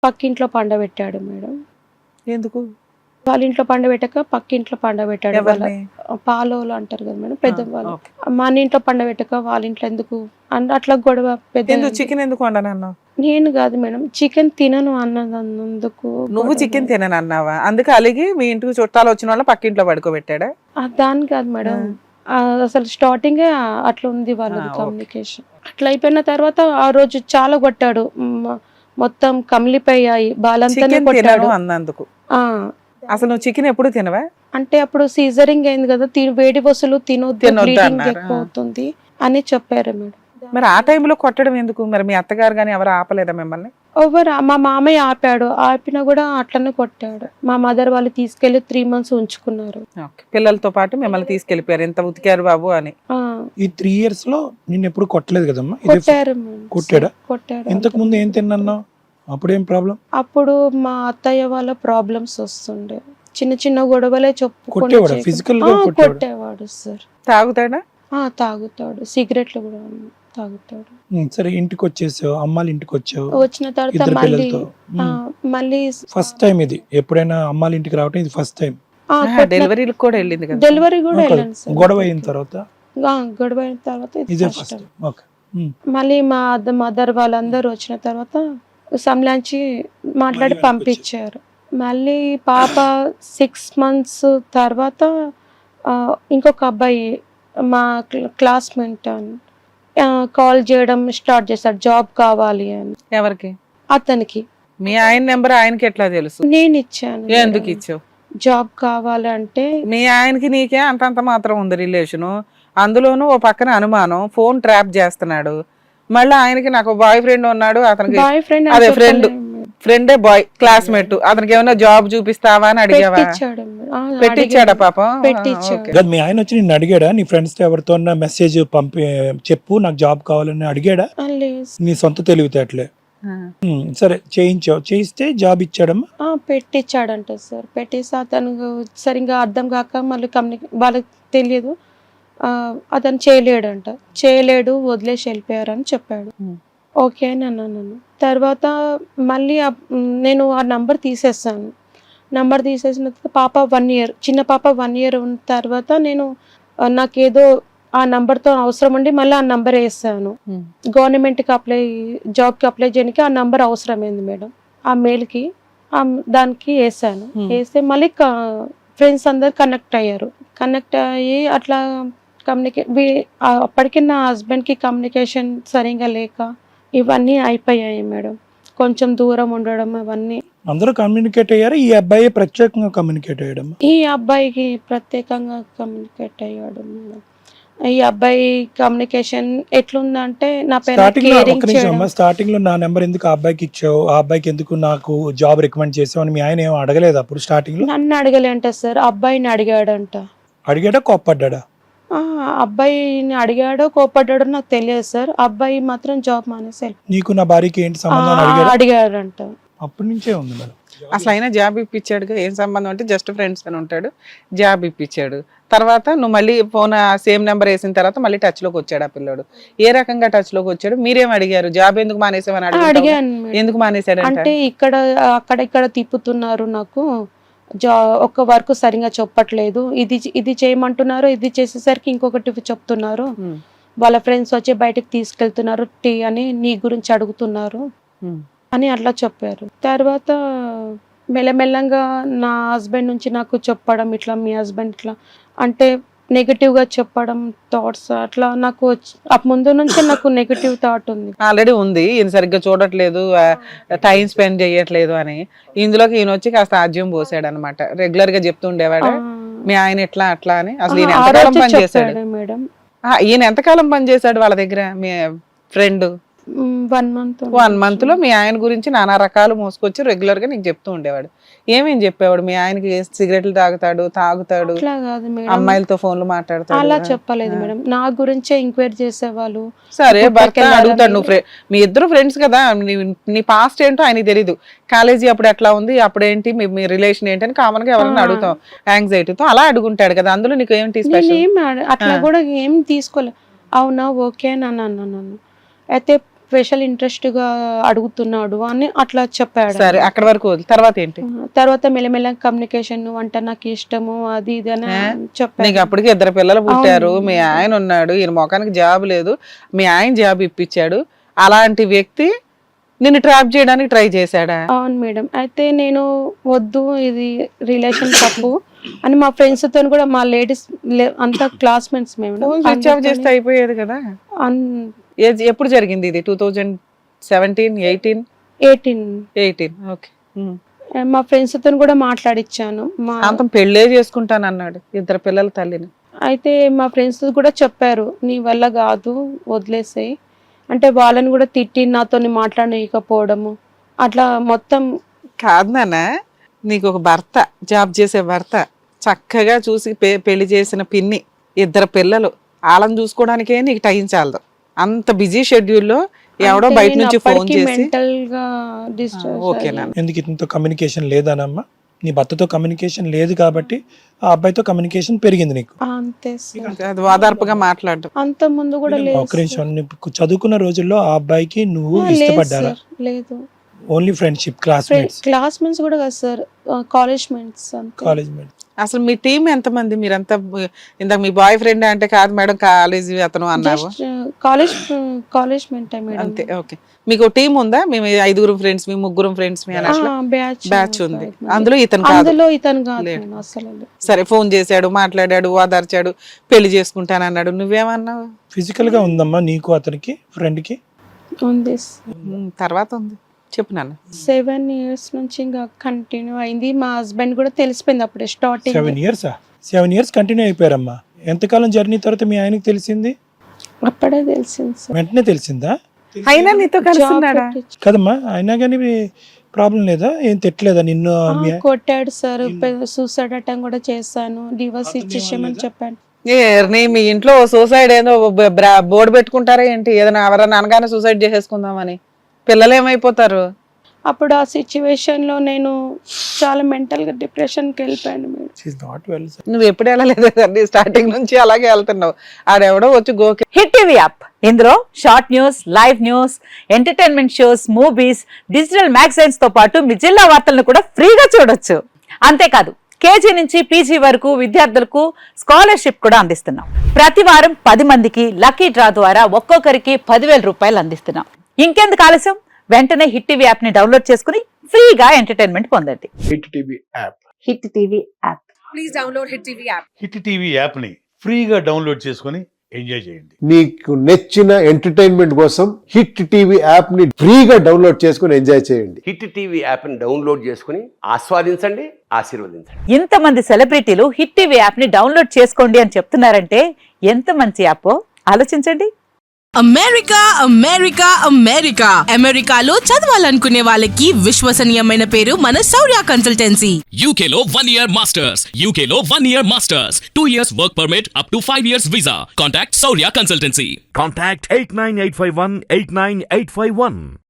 పక్కింట్లో పండబెట్టాడు మేడం. ఎందుకు? వాళ్ళ ఇంట్లో పండబెట్టక పక్కింట్లో పండబెట్టాడు. వాళ్ళ ఎవరిని? పాలోలు అంటారు కదా మేడం, పెద్దవాళ్ళు. ఓకే. మన ఇంట్లో పండబెట్టక వాళ్ళ ఇంట్లో ఎందుకు అంటే అట్లా గొడవ పెద్ద. ఎందుకు చికెన్ ఎందుకు వండనన్నావు? నేను కాదు మేడం, చికెన్ తినను అన్నందుకు నువ్వు చికెన్ తినను అన్నావా? అందుకే అలిగి మీ ఇంటికి చుట్టాలు వచ్చిన వాళ్ళ పక్కింట్లో పడుకోబెట్టాడా? దాని కాదు మేడం. అసలు స్టార్టింగ్ అట్లా ఉంది వాళ్ళది కమ్యూనికేషన్. అట్లా అయిపోయిన తర్వాత ఆ రోజు చాలా కొట్టాడు. మొత్తం కమిలిపోయాయి, బాలంతానే కొట్టాడు అన్నందుకు. ఆ అసలు నువ్వు చికెన్ ఎప్పుడు తినవా? అంటే అప్పుడు సీజరింగ్ అయింది కదా, వేడి వస్తువులు తినొద్దు, బ్లీడింగ్ ఎక్కువ అవుతుంది అని చెప్పారు మేడం. మరి ఆ టైంలో కొట్టడం ఎందుకు? మరి మీ అత్తగారు కానీ ఎవరు ఆపలేదా మిమ్మల్ని? మా మామయ్య ఆపాడు, ఆపినా కూడా అట్లనే కొట్టాడు. మా మదర్ వాళ్ళు తీసుకెళ్లి 3 months ఉంచుకున్నారు. పిల్లలతో పాటు మిమ్మల్ని తీసుకెళ్లిపోయారు, ఎంత ఉతికారు బాబు అని. ఈ 3 years లో నిన్ను ఎప్పుడు కొట్టలేదు కదమ్మా? కొట్టారు. కొట్టాడా? ఇంతకు ముందు ఏం తిన్నా? అప్పుడేం ప్రాబ్లం? అప్పుడు మా అత్తయ్య వాళ్ళ ప్రాబ్లమ్స్ వస్తుండే, చిన్న చిన్న గొడవలే కొట్టేవాడు, ఫిజికల్ గా కొట్టేవాడు సార్. తాగుతాడా? తాగుతాడు, సిగరెట్లు కూడా తాగుతాడు. సరే, ఇంటికి వచ్చేసావు, అమ్మాళ్ళ ఇంటికి వచ్చావు, వచ్చిన తర్వాత మళ్ళీ ఫస్ట్ టైం ఇది ఎప్పుడైనా అమ్మాళ్ళ ఇంటికి రావటం ఇది ఫస్ట్ టైం? డెలివరీ కూడా వెళ్ళింది కదా? డెలివరీ కూడా వెళ్ళాను సార్. గొడవ అయిన తర్వాత ఇదే ఫస్ట్ టైం. మళ్ళీ మా మదర్ వాళ్ళందరూ వచ్చిన తర్వాత సంలాంచి మాట్లాడి పంపించారు. మళ్ళీ పాప 6 months తర్వాత ఇంకొక అబ్బాయి మా క్లాస్మేట్ అని కాల్ చేయడం స్టార్ట్ చేశాడు, జాబ్ కావాలి అని. ఎవరికి? అతనికి. మీ ఆయన నెంబర్ ఆయనకి ఎట్లా తెలుసు? నేను ఇచ్చాను. ఎందుకు ఇచ్చావు? జాబ్ కావాలంటే. మీ ఆయనకి నీకే అంతంత మాత్రం ఉంది రిలేషను, అందులోనూ ఓ పక్కన అనుమానం, ఫోన్ ట్రాప్ చేస్తున్నాడు. మళ్ళీ ఆయనకి నాకు బాయ్ ఫ్రెండ్ ఉన్నాడు, అతనికి బాయ్ ఫ్రెండ్ అదే ఫ్రెండే బాయ్ క్లాస్మేట్, అతనికి ఏమైనా జాబ్ చూపిస్తావా అని అడిగావా? పెట్టించాడా పాపం? పెట్టించాడు. మీ ఆయన వచ్చి నిన్ను అడిగాడా? నీ ఫ్రెండ్స్ తో ఎవరితో మెసేజ్ పంపి చెప్పు నాకు జాబ్ కావాలని అడిగాడా? నీ సొంత తెలివితేటలే. సరే, చేయిస్తే జాబ్ ఇచ్చాడమ్మా? పెట్టించాడంట సార్. పెట్టేసి అతను సరిగ్గా అర్థం కాక మళ్ళీ వాళ్ళకి తెలియదు, అతను చేయలేడు, వదిలేసి వెళ్ళిపోయారని చెప్పాడు. ఓకే అని అన్నాను. తర్వాత మళ్ళీ నేను ఆ నంబర్ తీసేసాను. నంబర్ తీసేసిన తర్వాత పాప 1 year, చిన్న పాప 1 year ఉన్న తర్వాత నేను నాకేదో ఆ నంబర్తో అవసరం ఉండి మళ్ళీ ఆ నంబర్ వేసాను. గవర్నమెంట్కి జాబ్కి అప్లై చేయడానికి ఆ నంబర్ అవసరమైంది మేడం. ఆ మెయిల్కి దానికి వేసాను. వేస్తే మళ్ళీ ఫ్రెండ్స్ అందరు కనెక్ట్ అయ్యారు. కనెక్ట్ అయ్యి అట్లా అప్పటికి నా హస్బెండ్కి కమ్యూనికేషన్ సరిగా లేక ఇవన్నీ అయిపోయాయి మేడం. కొంచెం దూరం ఉండడం అవన్నీ. అందరూ కమ్యూనికేట్ అయ్యారు, ఈ అబ్బాయి ప్రత్యేకంగా కమ్యూనికేట్ అయ్యాడు? ఈ అబ్బాయికి ప్రత్యేకంగా కమ్యూనికేట్ అయ్యాడు మేడం. ఈ అబ్బాయి కమ్యూనికేషన్ ఎట్లుందంటే నా స్టార్టింగ్ లో నా నెంబర్ ఎందుకు ఆ అబ్బాయికి ఇచ్చావు, ఆ అబ్బాయికి ఎందుకు నాకు జాబ్ రికమెండ్ చేసావు అని మీ ఆయన ఏమో అడగలేదు అప్పుడు స్టార్టింగ్ లో? నన్ను అడగలేంట సార్, అబ్బాయిని అడిగాడంట. అడిగాడా, కోప్పడ్డా? అబ్బాయిని అడిగాడో కోపడ్డాడో నాకు తెలియదు సార్. అబ్బాయి మాత్రం జాబ్ మానేసి నీకు నా భార్యకి ఏంటి సంబంధం అడిగాడంట. అప్పటి నుంచే ఉంది మేడం. అసలు అయినా జాబ్ ఇప్పించాడు, ఏం సంబంధం అంటే జస్ట్ ఫ్రెండ్స్ అని ఉంటాడు, జాబ్ ఇప్పించాడు. తర్వాత నువ్వు మళ్ళీ ఫోన్ సేమ్ నెంబర్ వేసిన తర్వాత మళ్ళీ టచ్ లోకి వచ్చాడు ఆ పిల్లడు. ఏ రకంగా టచ్ లోకి వచ్చాడు? మీరేం అడిగారు? జాబ్ ఎందుకు మానేసావని అడిగాను. ఎందుకు మానేశాడు అంటే అక్కడ తిప్పుతున్నారు, నాకు ఒక్క వర్క్ సరిగా చెప్పట్లేదు, ఇది చేయమంటున్నారు, ఇది చేసేసరికి ఇంకొకటి చెప్తున్నారు, వాళ్ళ ఫ్రెండ్స్ వచ్చి బయటకు తీసుకెళ్తున్నారు, టీ అని నీ గురించి అడుగుతున్నారు అని అట్లా చెప్పారు. తర్వాత మెల్లమెల్లంగా నా హస్బెండ్ నుంచి నాకు చెప్పడం, ఇట్లా మీ హస్బెండ్ ఇట్లా అంటే నెగటివ్ గా చెప్పడం, థాట్స్ అట్లా నాకు ముందు నుంచి నాకు నెగటివ్ థాట్ ఉంది, ఆల్రెడీ ఉంది. ఈయన సరిగ్గా చూడట్లేదు, టైం స్పెండ్ చేయట్లేదు అని. ఇందులోకి ఈయన వచ్చి కాస్త ఆజ్యం పోసాడు అనమాట. రెగ్యులర్ గా చెప్తూ ఉండేవాడు మీ ఆయన ఎట్లా అట్లా అని. అసలు ఈయన ఎంతకాలం పనిచేశాడు మేడం? ఈయన ఎంతకాలం పనిచేశాడు వాళ్ళ దగ్గర మీ ఫ్రెండ్? 1 month లో మీ ఆయన గురించి నానా రకాలు మోసుకొచ్చి రెగ్యులర్ గా నీకు చెప్తూ ఉండేవాడు. ఏమేం చెప్పేవాడు? మీ ఆయనకి సిగరెట్లు తాగుతాడు, అమ్మాయిలతో ఫోన్లు మాట్లాడతాడు. అలా చెప్పలేదు మేడం, నా గురించే ఎంక్వైరీ చేసేవాళ్ళు. సరే, భర్త అడుగుతాడు, నువ్వు మీ ఇద్దరు ఫ్రెండ్స్ కదా, నీ పాస్ట్ ఏంటో ఆయనకి తెలీదు, కాలేజీ అప్పుడు ఎట్లా ఉంది, అప్పుడేంటి మీ రిలేషన్ ఏంటి అని కామన్ గా ఎవరైనా అడుగుతాం యాంగ్జైటీతో, అలా అడుగుంటాడు కదా. అందులో నీకు ఏంటి స్పెషల్? అట్లా కూడా ఏం తీసుకోలేదు. అవునా, ఓకే అని అన్నాను. అయితే స్పెషల్ ఇంట్రెస్ట్ గా అడుగుతున్నాడు అని అట్లా చెప్పాడు. సరే అక్కడ వరకు వదిలి తర్వాత ఏంటి? తర్వాత మెల్లమెల్ల కమ్యూనికేషన్ అంటే నాకు ఇష్టము అది ఇది అని చెప్పాడు. నీకు అప్పటికి 2 పిల్లలు పుట్టారు, మీ ఆయన ఉన్నాడు, ఈయన మొఖానికి జాబ్ లేదు, మీ ఆయన జాబ్ ఇప్పించాడు, అలాంటి వ్యక్తి నిన్ను ట్రాప్ చేయడానికి ట్రై చేశాడా? అవును మేడం. అయితే నేను వద్దు ఇది రిలేషన్ తప్పు అని మా ఫ్రెండ్స్ తో కూడా, మా లేడీస్ అంతా క్లాస్మేట్స్ మేము స్విచ్ ఆఫ్ చేస్తే అయిపోయేది కదా. ఎప్పుడు జరిగింది ఇది? 2017, 18? ఓకే. మా ఫ్రెండ్స్ తో కూడా మాట్లాడిచ్చాను. మా అంతం పెళ్ళే చేసుకుంటానన్నాడు, 2 పిల్లల తల్లిని. అయితే మా ఫ్రెండ్స్ కూడా చెప్పారు నీ వల్ల కాదు వదిలేసాయి అంటే, వాళ్ళని కూడా తిట్టి నాతో మాట్లాడకపోవడము అట్లా మొత్తం. కాదు నాన్న, నీకు ఒక భర్త, జాబ్ చేసే భర్త, చక్కగా చూసి పెళ్లి చేసిన పిన్ని, 2 పిల్లలు, వాళ్ళని చూసుకోవడానికే నీకు టైం చాలదు. అంత బిజీ షెడ్యూల్లో ఎవడో బయట నుంచి ఫోన్ చేసి మెంటల్ గా ఓకేనా? ఎందుకు ఇంత కమ్యూనికేషన్ లేదనమ్మా? నీ భర్తతో కమ్యూనికేషన్ లేదు కాబట్టి ఆ అబ్బాయితో కమ్యూనికేషన్ పెరిగింది నీకు. అంతే సార్. అది వాదార్పుగా మాట్లాడడం. అంత ముందు కూడా లేదు. ఒక నిమిషం, నువ్వు చదువుకున్న రోజుల్లో ఆ అబ్బాయికి నువ్వు లేదు ఇష్టపడ్డారా? సార్, లేదు. ఓన్లీ ఫ్రెండ్షిప్, క్లాస్మేట్స్ కూడా కాదు sir, college mates. College mates. అసలు మీ టీం ఎంతమంది? మీరంతా ఇందాక మీ బాయ్ ఫ్రెండ్ అంటే కాదు మేడం, కాలేజీ అతను అన్నావు. College mate madam. అంతే, ఓకే. మీకు టీం ఉందా? మేము 5 ఫ్రెండ్స్, మీ 3 ఫ్రెండ్స్, మీ బ్యాచ్ ఉంది. అందులో ఇతను కాదు అసలు. సరే, ఫోన్ చేశాడు, మాట్లాడాడు, ఓదార్చాడు, పెళ్లి చేసుకుంటానన్నాడు, నువ్వేమన్నావు? ఫిజికల్ గా ఉందమ్మా నీకు అతనికి, ఫ్రెండ్ కి? ఉంది. తర్వాత ఉంది, చెప్పు నాన్న. 7 years నుంచి ఇంకా కంటిన్యూ అయింది. మా హస్బెండ్ కూడా తెలిసిపోయింది అప్పుడే స్టార్టింగ్. 7 years continue అయిపోయారమ్మా. ఎంతకాలం జర్నీ తర్వాత మీ ఆయనకి తెలిసింది? అప్పుడే తెలిసింది సార్. వెంటనే తెలిసిందా? అయినా నీతో కలుస్తున్నాడా? కదమ్మా, అయినా కానీ ప్రాబ్లం లేదా? ఏం తిట్టలేదా నిన్ను? కొట్టాడు సార్, సూసైడ్ అటెంప్ట్ కూడా చేశాను, డివోర్స్ ఇచ్చేసామని చెప్పాను. మీ ఇంట్లో సూసైడ్ ఏదో బోర్డు పెట్టుకుంటారా ఏంటి? ఏదైనా ఎవరైనా అనగానే సూసైడ్ చేసేసుకుందామని. పిల్లలు ఏమైపోతారు? అప్పుడు ఆ సిచ్యువేషన్ లో నేను చాలా మెంటల్ గా డిప్రెషన్ కి వెళ్ళిపోయాను. నువ్వు ఎప్పుడు వెళ్ళలేదు, స్టార్టింగ్ నుంచి అలాగే వెళ్తున్నావు. ఆడెవడో వచ్చి గోకే. హిట్ టీవీ యాప్, ఇందులో short news, live news, entertainment shows, movies, digital magazines తో పాటు మీ జిల్లా వార్తలను కూడా ఫ్రీగా చూడొచ్చు. అంతేకాదు కేజీ నుంచి పీజీ వరకు విద్యార్థులకు స్కాలర్షిప్ కూడా అందిస్తున్నాం. ప్రతి వారం 10 మందికి లక్కీ డ్రా ద్వారా ఒక్కొక్కరికి 10,000 రూపాయలు అందిస్తున్నాం. ఇంకెందుకు ఆలస్యం, వెంటనే హిట్ టీవీ యాప్ ని డౌన్లోడ్ చేసుకుని ఫ్రీగా ఎంటర్టైన్మెంట్ పొందండి. Hit TV app. Hit TV app. Please download hit TV app. Hit TV app ని ఫ్రీగా డౌన్లోడ్ చేసుకొని ఎంజాయ్ చేయండి. మీకు నచ్చిన ఎంటర్టైన్మెంట్ కోసం హిట్ టీవీ యాప్ ని ఫ్రీగా డౌన్లోడ్ చేసుకొని ఎంజాయ్ చేయండి. హిట్ టీవీ యాప్ ని డౌన్లోడ్ చేసుకుని ఆస్వాదించండి, ఆశీర్వదించండి. ఇంతమంది సెలబ్రిటీలు హిట్ టీవీ యాప్ ని డౌన్లోడ్ చేసుకోండి అని చెప్తున్నారంటే ఎంత మంచి యాప్ ఆలోచించండి. అమెరికా అమెరికా అమెరికా అమెరికాలో చదవాలనుకునే వాళ్ళకి విశ్వసనీయమైన పేరు మన శౌర్య కన్సల్టెన్సీ. UK లో 1 year masters. UK లో 1 year masters. 2 years work permit up to 5 years visa. Contact Saurya Consultancy. Contact 89851 89851.